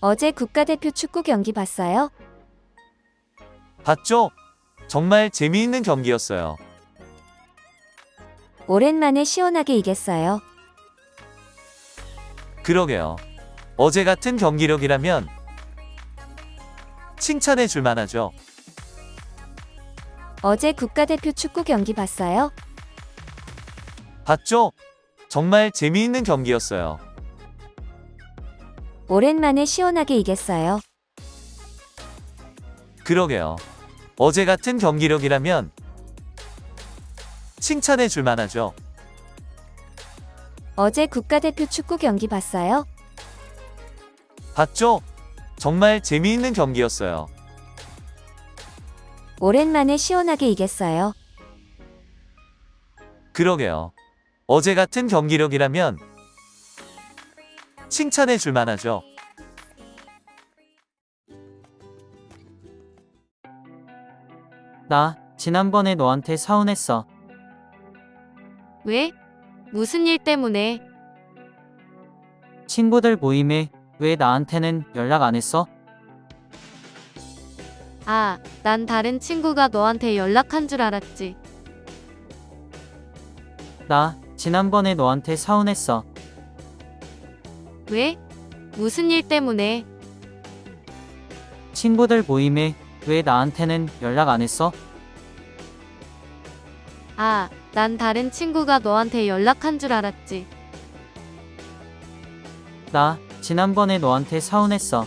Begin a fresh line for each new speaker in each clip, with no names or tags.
어제 국가대표 축구 경기 봤어요?
봤죠? 정말 재미있는 경기였어요.
오랜만에 시원하게 이겼어요.
그러게요. 어제 같은 경기력이라면 칭찬해 줄 만하죠.
어제 국가대표 축구 경기 봤어요?
봤죠? 정말 재미있는 경기였어요.
오랜만에 시원하게 이겼어요.
그러게요. 어제 같은 경기력이라면 칭찬해 줄 만하죠.
어제 국가대표 축구 경기 봤어요?
봤죠? 정말 재미있는 경기였어요.
오랜만에 시원하게 이겼어요.
그러게요. 어제 같은 경기력이라면 칭찬해 줄 만하죠.
나 지난번에 너한테 서운했어.
왜? 무슨 일 때문에?
친구들 모임에 왜 나한테는 연락 안 했어?
아, 난 다른 친구가 너한테 연락한 줄 알았지.
나 지난번에 너한테 서운했어.
왜? 무슨 일 때문에?
친구들 모임에 왜 나한테는 연락 안 했어?
아, 난 다른 친구가 너한테 연락한 줄 알았지.
나 지난번에 너한테 서운했어.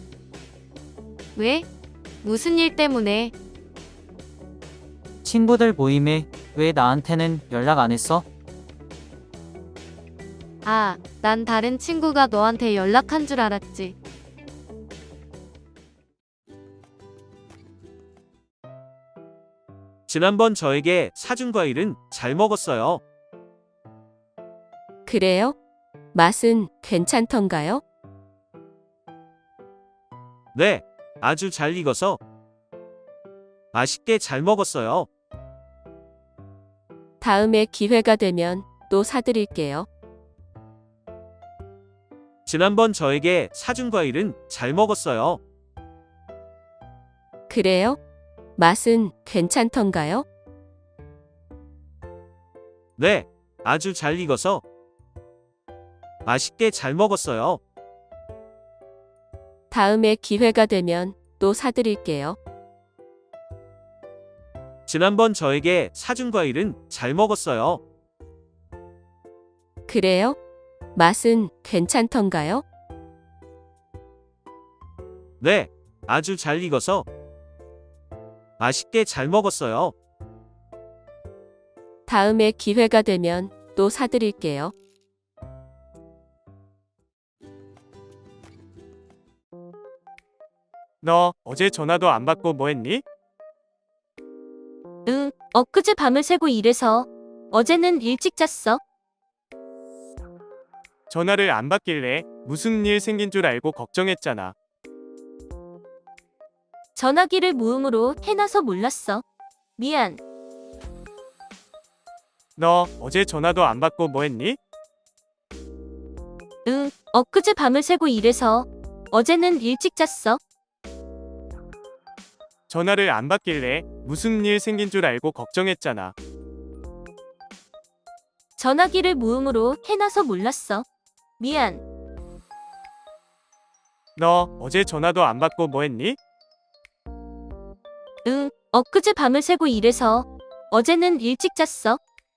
왜? 무슨 일 때문에?
친구들 모임에 왜 나한테는 연락 안 했어?
아, 난 다른 친구가 너한테 연락한 줄 알았지.
지난번 저에게 사준 과일은 잘 먹었어요.
그래요? 맛은 괜찮던가요?
네, 아주 잘 익어서 맛있게 잘 먹었어요.
다음에 기회가 되면 또 사드릴게요.
지난번 저에게 사준 과일은 잘 먹었어요.
그래요? 맛은 괜찮던가요?
네, 아주 잘 익어서 맛있게 잘 먹었어요.
다음에 기회가 되면 또 사드릴게요.
지난번 저에게 사준 과일은 잘 먹었어요.
그래요? 맛은 괜찮던가요?
네, 아주 잘 익어서 맛있게 잘 먹었어요.
다음에 기회가 되면 또 사드릴게요.
너 어제 전화도 안 받고 뭐 했니?
응, 엊그제 밤을 새고 일해서 어제는 일찍 잤어.
전화를 안 받길래 무슨 일 생긴 줄 알고 걱정했잖아.
전화기를 무음으로 해놔서 몰랐어. 미안.
너 어제 전화도 안 받고 뭐 했니?
응, 엊그제 밤을 새고 일해서 어제는 일찍 잤어.
전화를 안 받길래 무슨 일 생긴 줄 알고 걱정했잖아.
전화기를 무음으로 해놔서 몰랐어. 미안.
너 어제 전화도 안 받고 뭐 했니?
응, 엊그제 밤을 새고 일해서 어제는 일찍 잤어.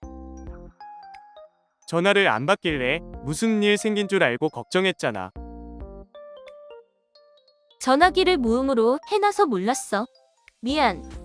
전화를 안 받길래 무슨 일 생긴 줄 알고 걱정했잖아.
전화기를 무음으로 해놔서 몰랐어. 미안.